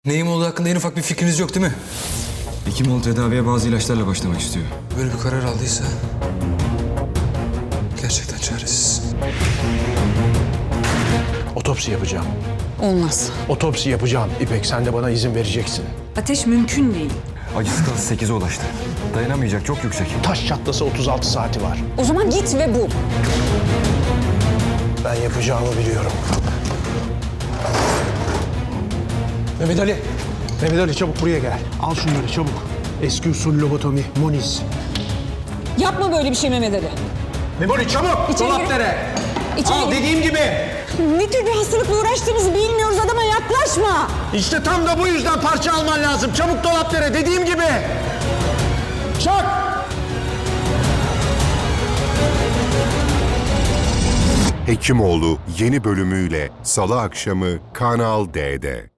Neyim olduğu hakkında en ufak bir fikriniz yok değil mi? Hekimoğlu tedaviye bazı ilaçlarla başlamak istiyor. Böyle bir karar aldıysa gerçekten çaresiz. Otopsi yapacağım. Olmaz. Otopsi yapacağım. İpek, sen de bana izin vereceksin. Ateş mümkün değil. Acı skalası 8'e ulaştı. Dayanamayacak, çok yüksek. Taş çatlasa 36 saati var. O zaman git ve bul. Ben yapacağımı biliyorum. Mehmet Ali. Mehmet Ali, çabuk buraya gel. Al şunları çabuk. Eski usul lobotomi, Moniz. Yapma böyle bir şey Mehmet Ali. Mehmet Ali çabuk! İçeri gir. Dolaplara! İçeri Al gir. dediğim gibi. Ne tür bir hastalıkla uğraştığımızı bilmiyoruz, adama yaklaşma. İşte tam da bu yüzden parça alman lazım. Çabuk dolaplara, dediğim gibi. Çak! Hekimoğlu yeni bölümüyle Salı akşamı Kanal D'de.